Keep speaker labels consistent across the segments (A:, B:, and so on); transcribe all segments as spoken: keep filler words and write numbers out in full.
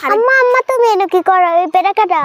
A: আম্মা আম্মা তুমি এনে কি করো এই পেটা কাটা?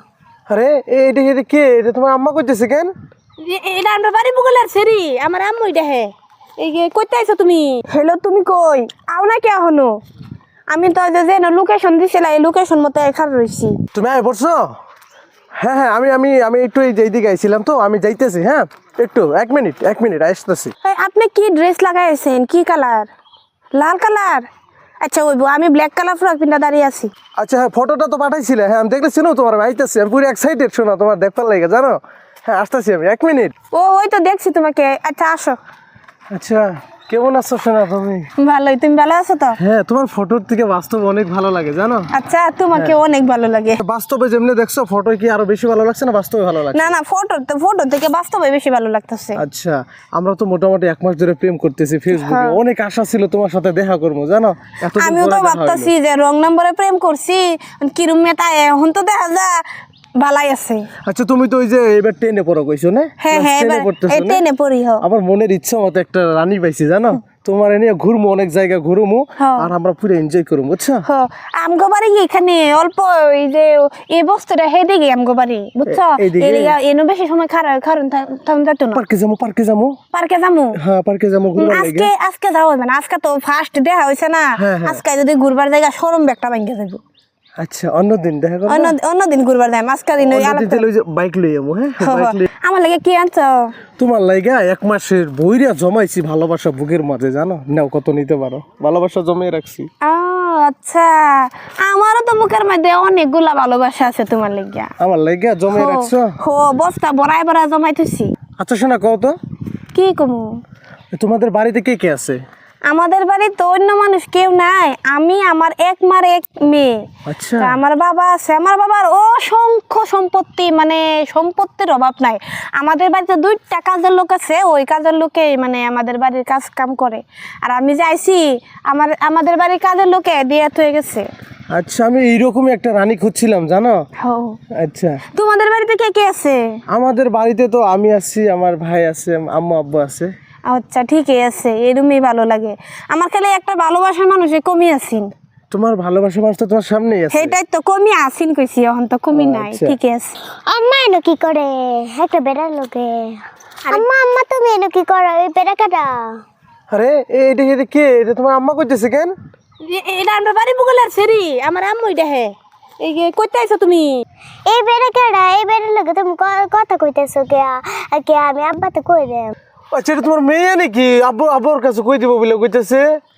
B: আরে এটা এটা কে? এটা তোমার আম্মা কইতেছে কেন?
C: এটা আমরা বাড়ি বগলের সেরি আমার আম্মু এটা হে এই যে কইতে আইছো তুমি? হ্যালো তুমি কই আও না কে এখনো? আমি তো যে যে লোকেশন দিছিলা এই লোকেশন মতো এখানে রইছি।
B: তুমি আয় পড়ছো? হ্যাঁ হ্যাঁ আমি আমি আমি একটু এই এইদিকে আইছিলাম তো, আমি যাইতেছি। হ্যাঁ একটু এক মিনিট এক মিনিট আসতেছি।
C: এই আপনি কি ড্রেস লাগাইছেন? কি কালার? লাল কালার? আচ্ছা ওইবো আমি ব্ল্যাক কালার ফ্রক পিন্দা দাঁড়িয়ে আছি।
B: আচ্ছা হ্যাঁ ফটোটা তো পাঠাইছিলে, হ্যাঁ আমি দেখতেছি না তোমার আইতেছি, আমি পুরো এক্সাইটেড শোনা তোমার দেখবার লাগে জানো। হ্যাঁ আসতেছি আমি এক মিনিট।
C: ও ওই তো দেখছি তোমাকে। আচ্ছা আসো।
B: আচ্ছা কেমন আছো শোনা তুমি?
C: ভালোই, তুমি ভালো আছো তো?
B: হ্যাঁ তোমার ফটোর থেকে বাস্তব অনেক ভালো লাগে জানো।
C: আচ্ছা তোমাকে অনেক ভালো লাগে।
B: বাস্তবে যেমনি দেখছো ফটো কি আরো বেশি ভালো লাগছে না বাস্তবে ভালো লাগছে?
C: না না ফটো ফটো থেকে বাস্তবে বেশি ভালো লাগতেছে।
B: আচ্ছা আমরা তো মোটামুটি এক মাস ধরে প্রেম করতেছি ফেসবুকে, অনেক আশা ছিল তোমার সাথে দেখা করবো জানো। এতদিন
C: আমিও
B: পরে
C: তো
B: দেখা
C: ভাবতেছি
B: হইলো।
C: যে রং নম্বরে প্রেম করছি কিরম মেতা এখন তো দেখা যা ভালাই আছে।
B: আচ্ছা তুমি তো ওই যে এবার টেনে পড়ো কইছো না?
C: হ্যাঁ হ্যাঁ
B: টেনে
C: এবার
B: পড়তেছো
C: এই
B: না?
C: টেনে পড়ি হো।
B: আমার মনের ইচ্ছা মতো একটা রানী পাইছি জানো, তোমার নিয়ে ঘুরবো, অনেক জায়গা ঘুরবো
C: হ্যাঁ।
B: আর আমরা পুরো এনজয় করবো বুঝছো।
C: হ আমগো বাড়ি এখানে অল্প এই যে এই বস্তুটা হে দিকে আমগো বাড়ি বুঝছো।
B: এ- এইদিকে?
C: এরিয়া এনো বেশি সময় খারাপ কারণ তখন যাইতো না।
B: পার্কে যাবো পার্কে যাবো।
C: পার্কে যামু?
B: হ্যাঁ পার্কে যাবো ঘুরবার লাগে।
C: আজকে আজকে যাওয়া হবে না, আজকে তো ফার্স্ট দেখা হয়েছে না।
B: হ্যাঁ, হ্যাঁ।
C: আজকে যদি ঘুরবার জায়গা সরম ব্যাগটা ভাঙ্গে যাবো।
B: আচ্ছা অন্যদিন দেখা করবো।
C: অন্য অন্যদিন ঘুরবার যাই আজকে দিন ওই
B: অন্যদিন তাহলে ওই যে বাইক লই যাবো। হ্যাঁ বাইক লই।
C: আমার লাগে কি আনছো?
B: তোমার লাইগা এক মাসের বইরা জমাইছি ভালোবাসা বুকের মাঝে জানো, নাও কত নিতে পারো, ভালোবাসা জমিয়ে রাখছি।
C: ও আচ্ছা আমারও তো বুকের মধ্যে অনেকগুলা ভালোবাসা আছে তোমার লাগিয়া।
B: আমার লাইগা জমিয়ে রাখছো।
C: হো বস্তা বড়াই বড়া জমাইতেছি।
B: আচ্ছা শোনা কও তো,
C: কি কমু?
B: তোমাদের বাড়িতে কে কে আছে?
C: আমাদের বাড়ি তো অন্য মানুষ কেউ নাই, আমি আমার এক মার এক মেয়ে।
B: আচ্ছা
C: তা আমার বাবা আছে, আমার বাবার অসংখ্য সম্পত্তি, মানে সম্পত্তির অভাব নাই। আমাদের বাড়িতে দুইটা কাজের লোক আছে, ওই কাজের লোকে মানে আমাদের বাড়ির কাজ কাম করে। আর আমি যাইছি আমার আমাদের বাড়ির কাজের লোকে দিয়ে হয়ে গেছে।
B: আচ্ছা আমি এইরকমই একটা রানী খুঁজছিলাম জানো।
C: হো
B: আচ্ছা
C: তোমাদের বাড়িতে কে কে আছে?
B: আমাদের বাড়িতে তো আমি আছি, আমার ভাই আছে, আম্মু আব্বু আছে।
C: আচ্ছা ঠিকই আছে, এরমই ভালো লাগে আমার। খালি একটা ভালোবাসার মানুষে কমি আছিন।
B: তোমার ভালোবাসা মানুষ তো তোমার সামনেই আছে।
C: সেটাই তো কমি আসিন কইছি, এখন তো কমি নাই।
B: আচ্ছা।
C: ঠিক আছে
A: আম্মা এনে কি করে একটা বেড়ার লোকে? আম্মা আম্মা তুমি এনে কি করো এই পেটা কাটা?
B: আরে এটা এটা কে? এটা তোমার আম্মা কইতেছে কেন?
C: এটা আমরা বাড়ি বগলের সেরি আমার আম্মু এটা হে এই যে কইতে আইছো তুমি?
A: এই বেড়া কাটা এই বেড়ার লোকে তুমি ক- কথা কইতেছো কে? কে আমি আব্বাতে কই দেম?
B: আচ্ছা এটা তোমার মেয়ে নাকি? আব্বু আব্বুর কাছে কই দিব বলে কইতেছে।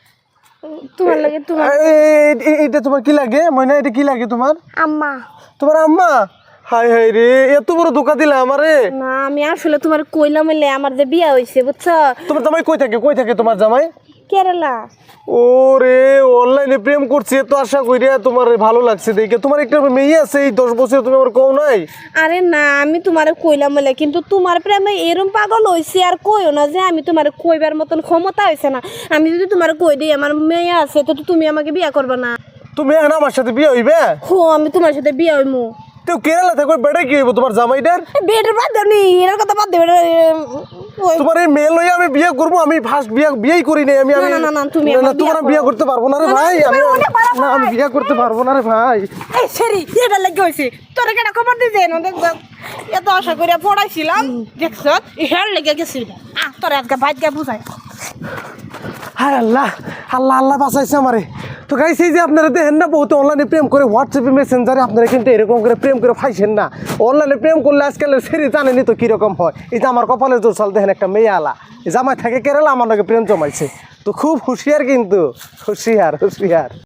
C: তোমার লাগে তোমার
B: এ- এ- এ- এটা তোমার কি লাগে ময়না? এটা কি লাগে তোমার?
A: আম্মা
B: তোমার আম্মা? হাই হাই রে, এত বড় ধোকা দিলা আমারে।
C: না আমি আসলে তোমার কইলাম এলে আমার যে বিয়া হইছে বুঝছো।
B: তোমার জামাই কই থাকে? কই থাকে তোমার জামাই?
C: কেরালা।
B: ওরে অনলাইনে প্রেম করছি, এত আশা কইরা তোমার ভালো লাগছে দেখে। তোমার একটা মেয়ে আছে এই দশ বছর, তুমি আমার কও নাই?
C: আরে না আমি তোমারে কইলাম এলে, কিন্তু তোমার প্রেমে এরম পাগল হইছি আর কইও না যে আমি তোমারে কইবার মতন ক্ষমতা হইছে না। আমি যদি তোমারে কই দিই আমার মেয়ে আছে তো তুমি আমাকে বিয়া করবা না?
B: তুমি এখন আমার সাথে বিয়ে হইবে?
C: হো আমি তোমার সাথে বিয়া হইমু।
B: তো কেরালা থাকবে বেড়ে কি হইব তোমার জামাইটার?
C: বেডের বাদ দেবনি এর কথা বাদ দেবে। ওই
B: তোমার এই মেয়ে লইয়া আমি বিয়ে করবো? আমি ফার্স্ট বিয়ে বিয়েই করি নাই আমি। আমি
C: না, না, না, তুমি
B: না, না,
C: আমার
B: তোমার
C: বিয়ে
B: বিয়ে
C: করো।
B: করতে পারবো না রে
C: না, না,
B: ভাই। আমি
C: তুমি অনেক বাড়া
B: না আমি
C: ভাই।
B: বিয়ে করতে পারবো না রে ভাই।
C: এই সেরি এটা লাগে হইছে তোর কেডা খবর দিছে না? দেখ এত আশা করে পড়াইছিলাম দেখছ হেয়ার লেগে গেছিল। আ তোর আজকে বাইক গা বুঝাই।
B: হায় আল্লাহ আল্লাহ আল্লাহ বাঁচাইছে আমারে। তো গাইস এই যে আপনারা দেখেন না বহুত অনলাইনে প্রেম করে, হোয়াটসঅ্যাপে মেসেঞ্জারে আপনারা কিন্তু এরকম করে প্রেম করে ফাইছেন না। অনলাইনে প্রেম করলে আজকালের সেরি জানেনি তো কীরকম হয়। এই যে আমার কপালে জোর চাল দেখেন একটা মেয়ে আলা জামাই থাকে কেরালা আমার নাকি প্রেম জমাইছে। তো খুব হুঁশিয়ার, কিন্তু হুঁশিয়ার হুঁশিয়ার।